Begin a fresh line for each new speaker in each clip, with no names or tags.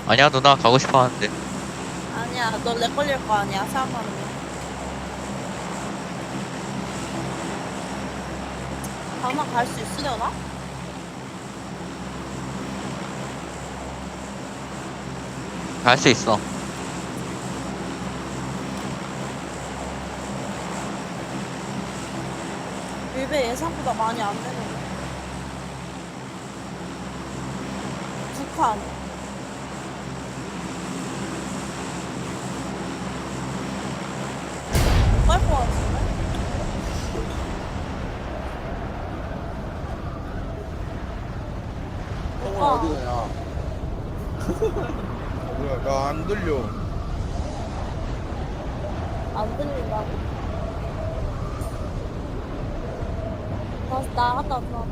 아니야 누나 가고 싶어 하는데.
아니야, 너 렉 걸릴 거 아니야, 사람 많으면. 방만 갈 수 있으려나?
갈 수 있어.
밀배 예상보다 많이 안 되네. 두 칸. 못갈것 같은데?
형은
오빠.
어디 가냐? 뭐야, 나 안 들려.
안 들린다고. 나갔다 왔어.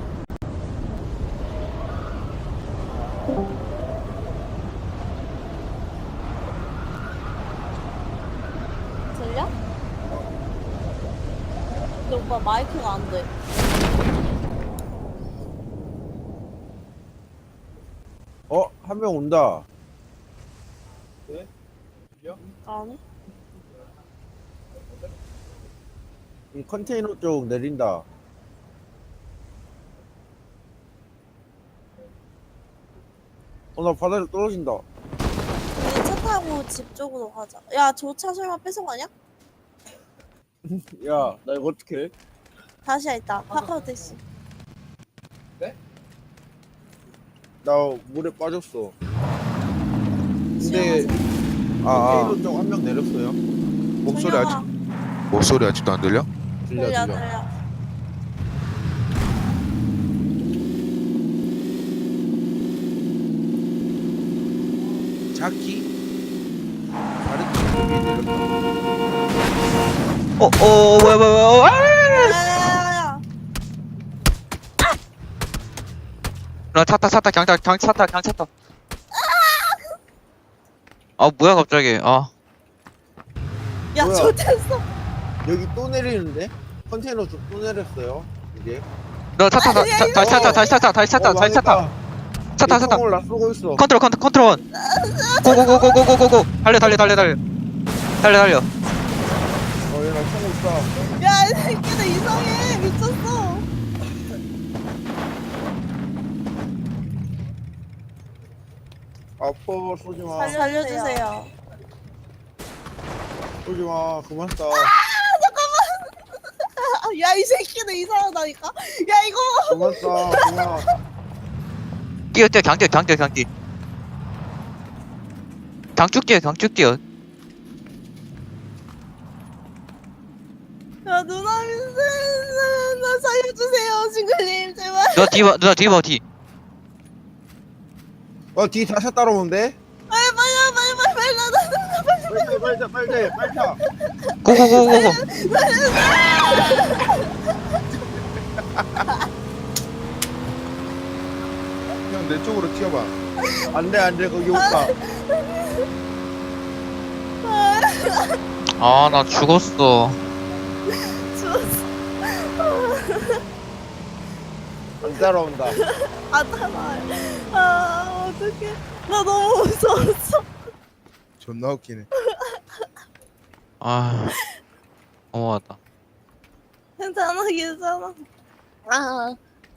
들려? 근데 오빠 마이크가 안 돼.
한 명 온다.
아니?
이 컨테이너 쪽 내린다. 나 바다로 떨어진다.
우리 차 타고 집 쪽으로 가자. 야, 저 차 설마 뺏어가냐?
야, 나 이거 어떻게 해?
다시야 있다. 카카오 택시.
나 물에 빠졌어. 근데
아,
컨테이너 쪽 한 명 내렸어요.
목소리 목소리 아직도 안 들려?
들려,
들려,
들려.
들려.
자키? 다른 쪽이 내렸다.
뭐야.
야야야야.
누나 찼다 경 찼다. 아 뭐야 갑자기. 아
야,
뭐야?
좋댔어.
여기 또 내리는데? 컨테이너 쪽 또 내렸어요. 이게.
누나 다시 찼다. 찼다.
총을 놔쏘고 있어.
컨트롤. 고고고고고고고. 달려.
얘나 총을 쏴.
야, 이 새끼들 이상해. 미쳤어.
아파, 쏘지 마.
살려주세요.
쏘지 마. 그만 쏴.
야, 이 새끼들 이상하다니까. 야, 이거.
그만 쏴. 그만.
뛰어 강뛰어. 강쭉 뛰어.
야, 누나 민세. 나 살려주세요, 징글님. 제발.
누나 뒤 봐.
뒤 다시 따라오는데?
빨리.
빨리 타.
고고고고고.
형 내 쪽으로 튀어봐.
안 돼, 거기 오빠.
아 나 죽었어.
죽었어.
안 따라온다.
아, 따라와요. 아, 어떡해. 나 너무 무서웠어.
존나 웃기네.
아 너무하다.
괜찮아. 아.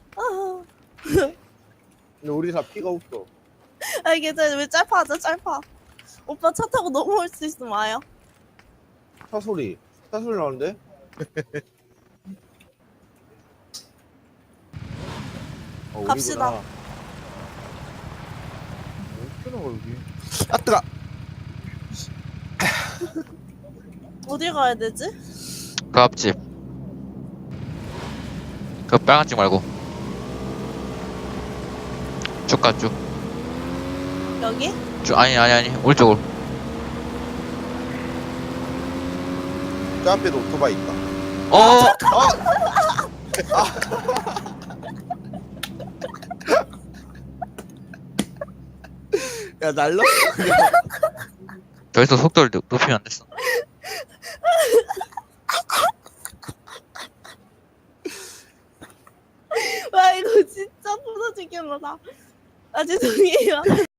근데 우리 다 피가 없어.
아, 괜찮아. 왜 짧아. 오빠 차 타고 넘어올 수 있으면 와요.
차 소리 나는데?
갑시다.
어떻게 나가 여기?
아 뜨거.
어디 가야 되지?
그 앞집. 그 빨간 집 말고. 쭉 가.
여기?
아니 오른쪽으로.
저 앞에도 오토바이 있다. 야 날라.
더 이상 속도를 높이면 안 됐어.
와, 이거 진짜 부서지겠다. 아, 죄송해요.